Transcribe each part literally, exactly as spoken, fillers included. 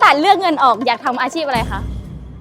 ตัดเลือกเงินออกอยากทำอาชีพอะไรคะ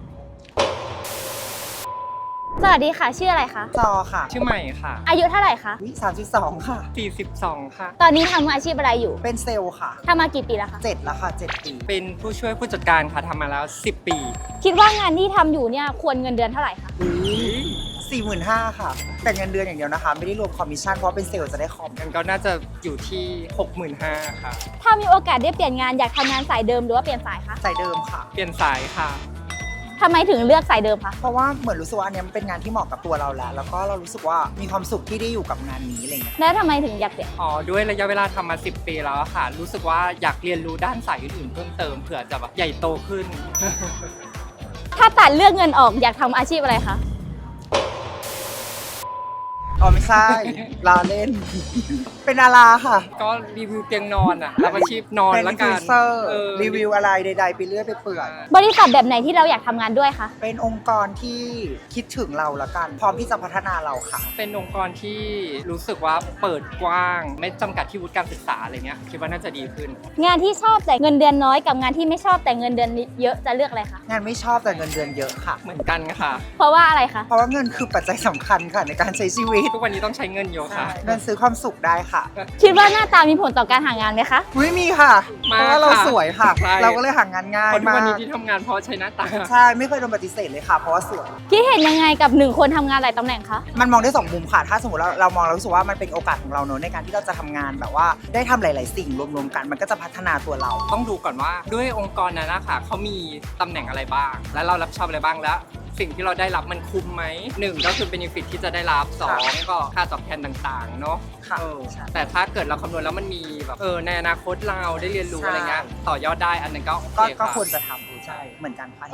สวัสดีค่ะชื่ออะไรคะจอค่ะชื่อใหม่ค่ะอายุเท่าไหร่คะสามสิบสองค่ะสี่สิบสองค่ะตอนนี้ทำอาชีพอะไรอยู่เป็นเซลล์ค่ะทำมากี่ปีแล้วคะเจ็ดแล้วค่ะเจ็ดปีเป็นผู้ช่วยผู้จัดการค่ะทำมาแล้วสิบปีคิดว่างานที่ทำอยู่เนี่ยควรเงินเดือนเท่าไหร่คะสี่หมื่นห้าค่ะแต่เงินเดือนอย่างเดียวนะคะไม่ได้รวมคอมมิชชั่นเพราะเป็นเซลล์จะได้คอมมันก็น่าจะอยู่ที่ หกหมื่นห้าพัน ค่ะถ้ามีโอกาสได้เปลี่ยนงานอยากทำงานสายเดิมหรือว่าเปลี่ยนสายคะสายเดิมค่ะเปลี่ยนสายค่ะทำไมถึงเลือกสายเดิมคะเพราะว่าเหมือนรู้สึกว่าอันนี้มันเป็นงานที่เหมาะกับตัวเราแล้วแล้วก็เรารู้สึกว่ามีความสุขที่ได้อยู่กับงานนี้อะไรเงี้ยแล้วทำไมถึงอยากเปลี่ยนอ๋อด้วยระยะเวลาทำมาสิบปีแล้วอะค่ะรู้สึกว่าอยากเรียนรู้ด้านสายอื่นๆเพิ่มเติมเผื่อจะแบบใหญ่โตขึ้นถ้าตัดเลือกเงินออกอยากทำอาชีพอะไรคะอ๋อไม่ใช่ลาเล่น เป็นดาราค่ะก็รีวิวเตียงนอนอ่ะรับอาชีพนอนเป็นละอินฟกัลูนเอนเซอร์รีวิวอะไรใดๆไปเรื่อยไปเปื่อยบริษัทแบบไหนที่เราอยากทำงานด้วยคะเป็นองค์กรที่คิดถึงเราละกัน พร้อมที่จะพัฒนาเราค่ะเป็นองค์กรที่รู้สึกว่าเปิดกว้าง ไม่จำกัดที่วุฒิการศึกษาอะไรเงี้ยคิดว่าน่าจะดีขึ้นงานที่ชอบแต่เงินเดือนน้อยกับงานที่ไม่ชอบแต่เงินเดือนเยอะจะเลือกอะไรคะงานไม่ชอบแต่เงินเดือนเยอะค่ะเหมือนกันค่ะเพราะว่าอะไรคะเพราะว่าเงินคือปัจจัยสำคัญค่ะในการใช้ชีวิตทุกวันนี้ต้องใช้เงินเยอะค่ะเงินซื้อความสุขได้ค่ะคิดว่าหน้าตามีผลต่อการหางานไหมคะไม่มีค่ะมาเพราะว่าเราค่ะสวยค่ะใช่เราก็เลยหางานง่ายคนทุกมาวันกนี้ที่ทำงานเพราะใช้หน้าตาใช่ไม่เคยโดนปฏิเสธเลยค่ะ เพราะว่าสวยคิดเห็นยังไงกับหนึ่งคนทำงานหลายตำแหน่งคะมันมองได้สองมุมค่ะ ถ้าสมมติเราเรามองเรารู้สึกว่ามันเป็นโอกาสของเราเนอะในการที่เราจะทำงานแบบว่าได้ทำหลาย ๆ สิ่งรวม ๆ กัน มันก็จะพัฒนาตัวเราต้องดูก่อนว่าด้วยองค์กรนั้นนะคะเขามีตำแหน่งอะไรบ้าง และเรารับผิดชอบอะไรบ้างแล้ว สิ่งที่เราได้รับมันคุ้มไหมหนึ่งก็คือเบนฟิตที่จะได้รับสองก็ค่าตอบแทนต่างๆเนาะค่ะเออใช่แต่ถ้าเกิดเราคำนวณแล้วมันมีแบบเออในอนาคตเราได้เรียนรู้ใช่อะไรเงี้ยต่อยอดได้อันนั้นก็โอเคก็ก็ค่ะควรจะทำใช่เหมือนกันค่ะ